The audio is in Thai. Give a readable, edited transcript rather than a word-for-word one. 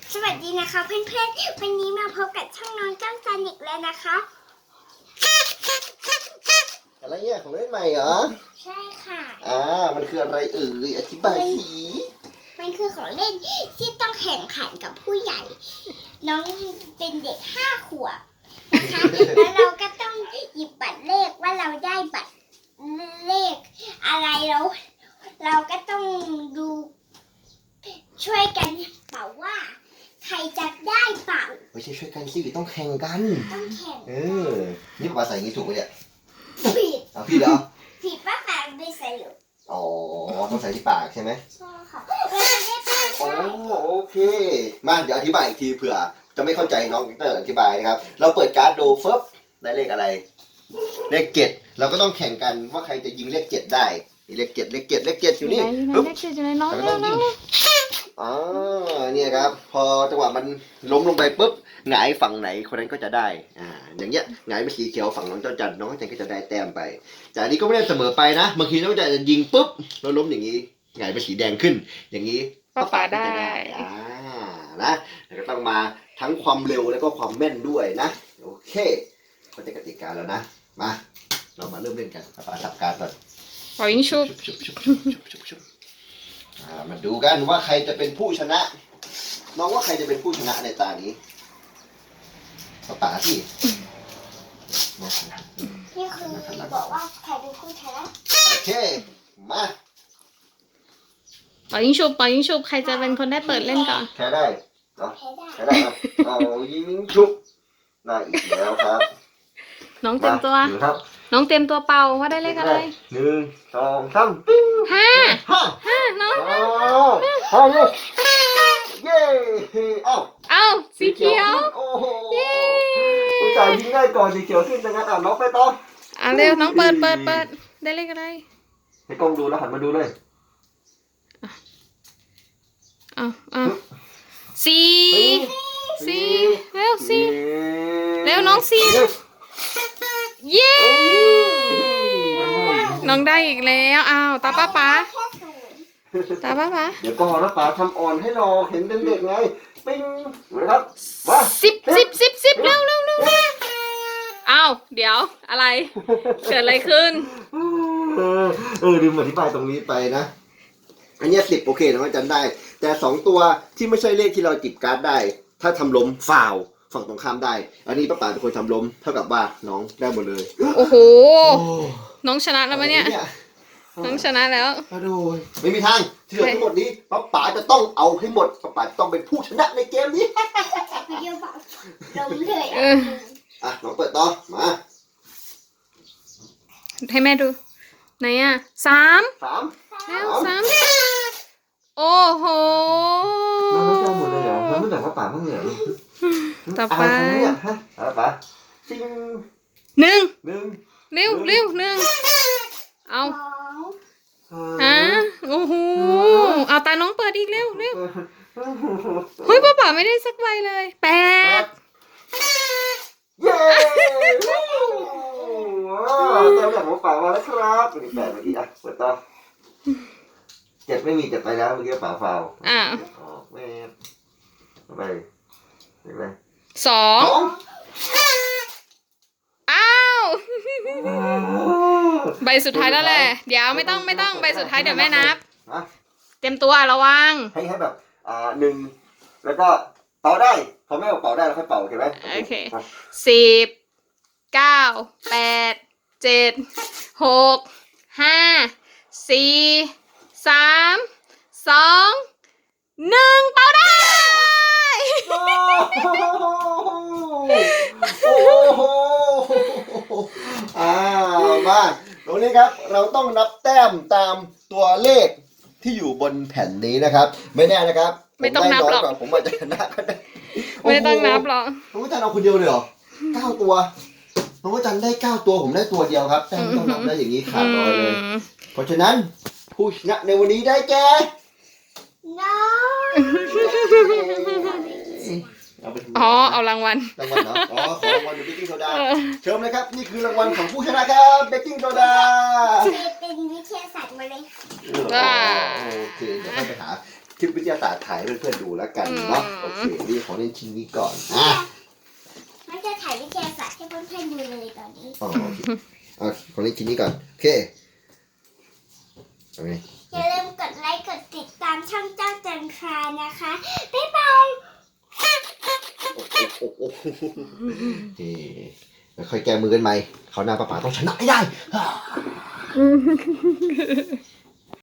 สวัสดีนะคะเพื่อนๆวันนี้มาพบกับช่องน้องจ้องจันอีกแล้วนะคะอะไรเนี่ยของเล่นใหม่เหรอใช่ค่ะมันคืออะไรอธิบายสิมันคือของเล่นที่ต้องแข่งขันกับผู้ใหญ่ น้องเป็นเด็ก5 ขวบนะคะแล้วเราก็ต้องหยิบบัตรเลขว่าเราได้บัตรเลขอะไรแล้วเราก็ต้องดูช่วยกันเป่าว่าใครจะได้เป่าไม่ใช่ช่วยกันสิต้องแข่งกันต้องแข่งนี่ป้าใส่อย่างนี้ถูกไหมเนี่ยผิดพี่เหรอผิดป้าแปะไม่ใส่หรอกต้องใส่ที่ปากใช่ไหมใช่ค่ะไม่ได้ปากใช่โอเคมาเดี๋ยวอธิบายอีกทีเผื่อจะไม่เข้าใจน้องเตอร์อธิบายนะครับเราเปิดการ์ดดูฟึบได้เลขอะไรเลข7เราก็ต้องแข่งกันว่าใครจะยิงเลข7ได้เลข7อยู่นี่ปึ๊บเลข7อยู่ไหนน้องเนี่ยครับพอจังหวะมันล้มลงไปปุ๊บหงายฝั่งไหนคนนั้นก็จะได้อย่างเงี้ยหงายเป็นสีเขียวฝั่งน้องเจ้าจันน้องเจ้าจันก็จะได้แต้มไปแต่อันนี้ก็ไม่ได้เสมอไปนะบางทีน้องเจ้าจันจะยิงปุ๊บแล้วล้มอย่างนี้หงายเป็นสีแดงขึ้นอย่างนี้ป้าได้นะแล้วก็ต้องมาทั้งความเร็วแล้วก็ความแม่นด้วยนะโอเคเข้าใจกติกาแล้วนะมาเรามาเริ่มเล่นกันป้าจับการก่อนปล่อยยิงชุบมาดูกันว่าใครจะเป็นผู้ชนะน้องว่าใครจะเป็นผู้ชนะในตานี้ป๋าสินี่คือบอกว่าใครเป็นผู้ชนะโอเคมาปล่อยยิงชุบใครจะเป็นคนได้เปิดเล่นก่อนแพ้ได้เนาะแพ้ได้ครับยิงชุบได้อีกแล้วครับน้องเต็มตัวน้องเต็มตัวเป่าว่าได้เลขอะไร 1 2 3ปิ้ง 5น้อง 5เย้เอาสีเขียวโอ้โหผู้ชายยิงได้ก่อนสีเขียวขึ้นจังงั้นน้องไปต่อเร็วน้องเปิดได้เลขอะไรให้กล้องดูแล้วหันมาดูเลยสี่เร็วน้องสี่เย้น้องได้อีกแล้วตาป้าเดี๋ยวก่อนนะป๋าทำอ่อนให้รอเห็นเป็นเด็กไงปิ้งนะครับมา 10เร็วเดี๋ยวอะไรเกิดอะไรขึ้นลืมอธิบายตรงนี้ไปนะอันนี้10โอเคน้องอาจารย์ได้แต่2ตัวที่ไม่ใช่เลขที่เราจิบการ์ดได้ถ้าทำล้มฟาวฝั่งตรงข้ามได้อันนี้ป้าป๋าเป็นคนทำล้มเท่ากับว่าน้องได้หมดเลยโอ้โหน้องชนะแล้วมั้ยเนี่ยน้องชนะแล้วดูไม่มีทางที่เหลือทั้งหมดนี้ป้าป๋าจะต้องเอาให้หมดป้าป๋าต้องเป็นผู้ชนะในเกมนี้เดี๋ยวบอกลงเลยน้องเปิดต่อมาให้แม่ดูไหน3แล้ว3โอ้โหน้องจะหมดเลยเหรอน้องไม่แต่ป้าป๋าบ้างเหรอต่อไปป๋าซิง 1เร็ว1เอาโอ้โหเอาตาน้องเปิดอีกเร็วเฮ้ยป้าไม่ได้สักใบเลย8 เย้เต็มแบบของป๋ามาแล้วครับเป็น8เมื่อกี้เปิดต่อ7ไม่มี7ไปแล้วเมื่อกี้ป๋าฟาวไม่ไป2 ใบสุดท้ายแล้วแหละเดี๋ยวไม่ต้องใบสุดท้ายเดี๋ยวแม่นับเต็มตัวระวังให้แบบ1แล้วก็เป่าได้พอแม่บอกเป่าได้แล้วค่อยเป่าโอเคไหมโอเค10 9 8 7 6 5 4 3 2 1เป่าได้มาตรงนี้ครับเราต้องนับแต้มตามตัวเลขที่อยู่บนแผ่นนี้นะครับไม่แน่นะครับไม่ต้องนับหรอกผมอาจจะชนะก็ได้ไม่ต้องนับหรอกน้องจันเอาคนเดียวเลยเหรอ9ตัวน้องจันได้9ตัวผมได้ตัวเดียวครับแต่ไม่ต้องนับได้อย่างนี้ขาดลอยเลยเพราะฉะนั้นผู้ชนะในวันนี้ได้แก่น้องเอารางวัลเหรอของรางวัลเบกกิ้งโซดาเชิญเลยครับนี่คือรางวัลของผู้ชนะครับเบกกิ้งโซดาเป็นวิทยาศาสตร์มาเลยโอเคเดี๋ยวไปหาคลิปวิทยาศาสตร์ถ่ายให้เพื่อนๆดูแล้วกันเนาะโอเคนี่ของเล่นชิ้นนี้ก่อนมันจะถ่ายวิทยาศาสตร์ให้เพื่อนๆดูเลยตอนนี้อ๋อโอเคของเล่นชิ้นนี้ก่อนโอเคโอเคอย่าลืมกดไลค์กดติดตามช่องเจ้าจันทรานะคะบ๊ายบายโอ้โหแล้วค่อยแก้มือกันใหม่เขาวหน้าป้าป๋าต้องชนะให้ได้